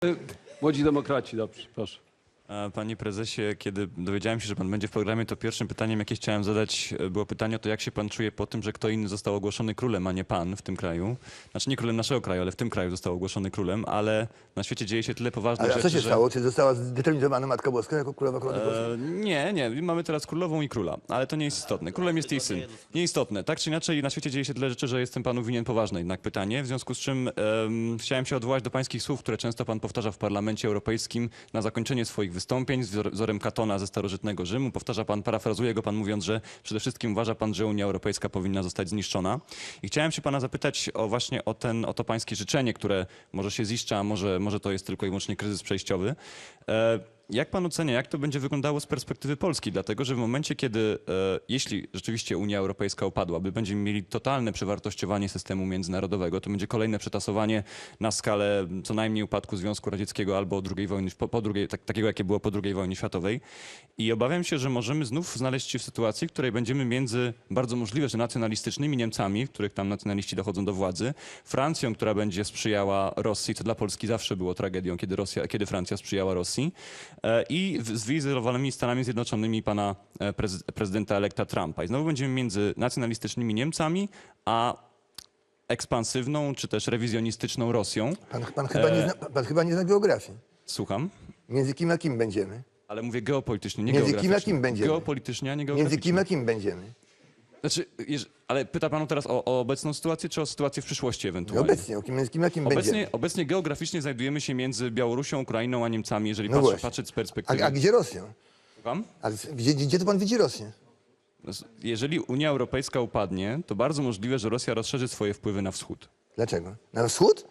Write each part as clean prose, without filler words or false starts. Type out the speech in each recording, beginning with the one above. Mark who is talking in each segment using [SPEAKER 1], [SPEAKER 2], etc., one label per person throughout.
[SPEAKER 1] Młodzi demokraci, dobrze, proszę.
[SPEAKER 2] Panie prezesie, kiedy dowiedziałem się, że pan będzie w programie, to pierwszym pytaniem, jakie chciałem zadać, było pytanie o to, jak się pan czuje po tym, że kto inny został ogłoszony królem, a nie pan w tym kraju. Znaczy nie królem naszego kraju, ale w tym kraju został ogłoszony królem, ale na świecie dzieje się tyle poważnych
[SPEAKER 3] Ale
[SPEAKER 2] rzeczy,
[SPEAKER 3] a co się
[SPEAKER 2] że...
[SPEAKER 3] stało? Czy została zdeterminowana Matka Boska jako królowa korony polskiej?
[SPEAKER 2] Nie, mamy teraz królową i króla, ale to nie jest istotne. Królem jest jej syn. Nieistotne. Tak czy inaczej, na świecie dzieje się tyle rzeczy, że jestem panu winien poważne jednak pytanie, w związku z czym chciałem się odwołać do pańskich słów, które często pan powtarza w Parlamencie Europejskim na zakończenie swoich wystąpień z wzorem Katona ze starożytnego Rzymu. Powtarza pan, parafrazuje go pan mówiąc, że przede wszystkim uważa pan, że Unia Europejska powinna zostać zniszczona. I chciałem się pana zapytać właśnie o to pańskie życzenie, które może się ziszcza, a może to jest tylko i wyłącznie kryzys przejściowy. Jak pan ocenia, jak to będzie wyglądało z perspektywy Polski? Dlatego, że w momencie, kiedy, jeśli rzeczywiście Unia Europejska upadłaby, będziemy mieli totalne przewartościowanie systemu międzynarodowego, to będzie kolejne przetasowanie na skalę co najmniej upadku Związku Radzieckiego albo II wojny, takiego, jakie było po II wojnie światowej. I obawiam się, że możemy znów znaleźć się w sytuacji, w której będziemy między bardzo możliwe, że nacjonalistycznymi Niemcami, w których tam nacjonaliści dochodzą do władzy, Francją, która będzie sprzyjała Rosji, co dla Polski zawsze było tragedią, kiedy Francja sprzyjała Rosji, i wyizolowanymi Stanami Zjednoczonymi pana prezydenta elekta Trumpa. I znowu będziemy między nacjonalistycznymi Niemcami, a ekspansywną, czy też rewizjonistyczną Rosją.
[SPEAKER 3] Pan chyba nie zna geografii.
[SPEAKER 2] Słucham?
[SPEAKER 3] Między kim a kim będziemy?
[SPEAKER 2] Ale mówię geopolitycznie, nie
[SPEAKER 3] Między kim a
[SPEAKER 2] geograficznie.
[SPEAKER 3] kim będziemy?
[SPEAKER 2] Geopolitycznie, a nie geograficznie.
[SPEAKER 3] Między kim a kim będziemy?
[SPEAKER 2] Znaczy, ale pyta pan teraz o obecną sytuację, czy o sytuację w przyszłości ewentualnie?
[SPEAKER 3] Obecnie, między kim a kim będziemy?
[SPEAKER 2] Obecnie geograficznie znajdujemy się między Białorusią, Ukrainą, a Niemcami, jeżeli
[SPEAKER 3] No właśnie.
[SPEAKER 2] patrzeć z perspektywy...
[SPEAKER 3] A gdzie Rosją?
[SPEAKER 2] Słucham?
[SPEAKER 3] Ale gdzie to pan widzi Rosję?
[SPEAKER 2] Jeżeli Unia Europejska upadnie, to bardzo możliwe, że Rosja rozszerzy swoje wpływy na wschód.
[SPEAKER 3] Dlaczego? Na wschód?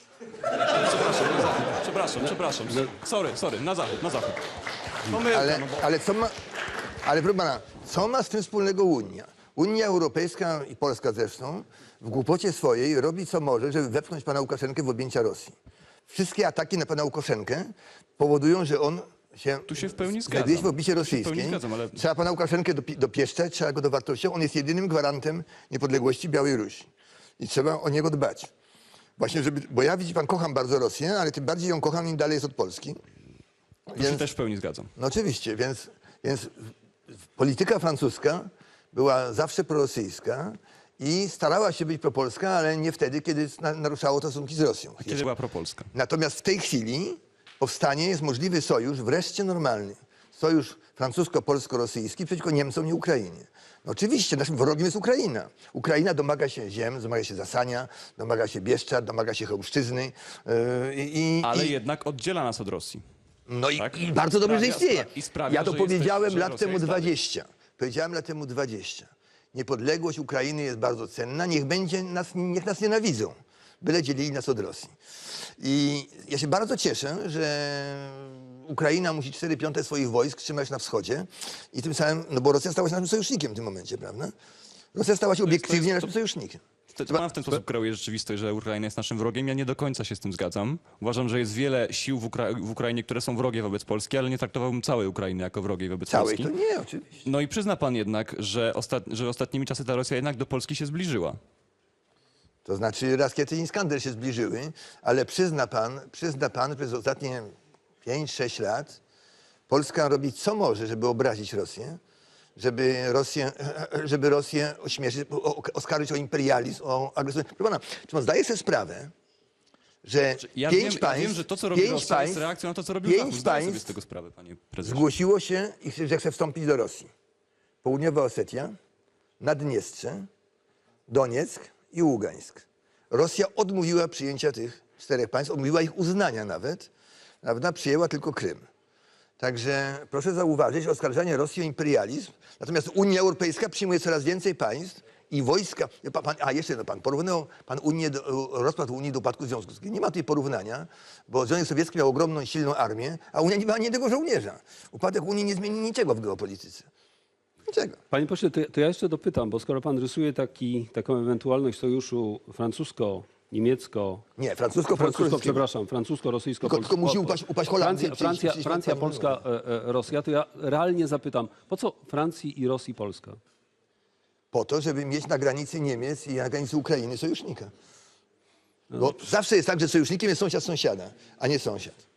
[SPEAKER 2] Przepraszam. Sorry, na zachód. Pomyłka,
[SPEAKER 3] Ale proszę pana, co ma z tym wspólnego Unia? Unia Europejska i Polska zresztą w głupocie swojej robi co może, żeby wepchnąć pana Łukaszenkę w objęcia Rosji. Wszystkie ataki na pana Łukaszenkę powodują, że on
[SPEAKER 2] Tu się w pełni
[SPEAKER 3] znajduje się
[SPEAKER 2] zgadzam.
[SPEAKER 3] w obicie rosyjskiej.
[SPEAKER 2] W pełni zgadzam, ale...
[SPEAKER 3] Trzeba pana Łukaszenkę dopieszczać, trzeba go dowartościować. On jest jedynym gwarantem niepodległości Białej i trzeba o niego dbać. Właśnie, bo ja, widzi pan, kocham bardzo Rosję, ale tym bardziej ją kocham, im dalej jest od Polski.
[SPEAKER 2] Tu się też w pełni zgadzam.
[SPEAKER 3] No oczywiście, więc polityka francuska była zawsze prorosyjska i starała się być propolska, ale nie wtedy, kiedy naruszało to stosunki z Rosją.
[SPEAKER 2] Kiedy była propolska?
[SPEAKER 3] Natomiast w tej chwili powstanie, jest możliwy sojusz, wreszcie normalny. Sojusz francusko-polsko-rosyjski przeciwko Niemcom i Ukrainie. No oczywiście, naszym wrogiem jest Ukraina. Ukraina domaga się ziem, domaga się Zasania, domaga się Bieszczad, domaga się Chełmszczyzny.
[SPEAKER 2] Ale jednak oddziela nas od Rosji.
[SPEAKER 3] No
[SPEAKER 2] tak?
[SPEAKER 3] i bardzo dobrze, że istnieje.
[SPEAKER 2] I sprawia,
[SPEAKER 3] Ja to
[SPEAKER 2] że
[SPEAKER 3] powiedziałem
[SPEAKER 2] że
[SPEAKER 3] lat
[SPEAKER 2] Rosja
[SPEAKER 3] temu
[SPEAKER 2] jest dalej.
[SPEAKER 3] 20. Powiedziałem lat temu 20. Niepodległość Ukrainy jest bardzo cenna. Niech nas nienawidzą. Byle dzielili nas od Rosji. I ja się bardzo cieszę, że Ukraina musi 4/5 swoich wojsk trzymać na wschodzie i tym samym, no bo Rosja stała się naszym sojusznikiem w tym momencie, prawda? Rosja stała się obiektywnie naszym sojusznikiem.
[SPEAKER 2] Pan w ten sposób kreuje rzeczywistość, że Ukraina jest naszym wrogiem. Ja nie do końca się z tym zgadzam. Uważam, że jest wiele sił w Ukrainie, które są wrogie wobec Polski, ale nie traktowałbym całej Ukrainy jako wrogiej wobec
[SPEAKER 3] Całej
[SPEAKER 2] Polski.
[SPEAKER 3] to nie, oczywiście.
[SPEAKER 2] No i przyzna pan jednak, że ostatnimi czasy ta Rosja jednak do Polski się zbliżyła.
[SPEAKER 3] To znaczy Rakiety i Iskander się zbliżyły, ale przyzna pan, że przez ostatnie 5-6 lat Polska robi co może, żeby obrazić Rosję, żeby Rosję ośmieszyć, oskarżyć o imperializm, o agresję. Proszę pana, czy pan zdaje sobie sprawę, że
[SPEAKER 2] Ja
[SPEAKER 3] pięć państw,
[SPEAKER 2] wiem, że to, co robi Rosja, jest reakcją na to, co robił Zachód. Zdaję sobie z tego sprawę, panie prezesie.
[SPEAKER 3] zgłosiło się, że chce wstąpić do Rosji? Południowa Osetia, Naddniestrze, Donieck i Ługańsk. Rosja odmówiła przyjęcia tych 4 państw, odmówiła ich uznania nawet, prawda? Przyjęła tylko Krym. Także proszę zauważyć oskarżanie Rosji o imperializm, natomiast Unia Europejska przyjmuje coraz więcej państw i wojska. Pan porównał rozpad Unii do upadku Związku Sowieckiego. Nie ma tutaj porównania, bo Związek Sowiecki miał ogromną, silną armię, a Unia nie miała ani jednego żołnierza. Upadek Unii nie zmieni niczego w geopolityce. Niczego.
[SPEAKER 1] Panie pośle, to ja jeszcze dopytam, bo skoro pan rysuje taką ewentualność sojuszu francusko-niemiecko...
[SPEAKER 3] Nie, francusko-rosyjskiego.
[SPEAKER 1] Przepraszam, francusko-rosyjsko...
[SPEAKER 3] Tylko musi upaść Holandii.
[SPEAKER 1] Francja, Polska, Rosja, to ja realnie zapytam, po co Francji i Rosji Polska?
[SPEAKER 3] Po to, żeby mieć na granicy Niemiec i na granicy Ukrainy sojusznika. Bo zawsze jest tak, że sojusznikiem jest sąsiad sąsiada, a nie sąsiad.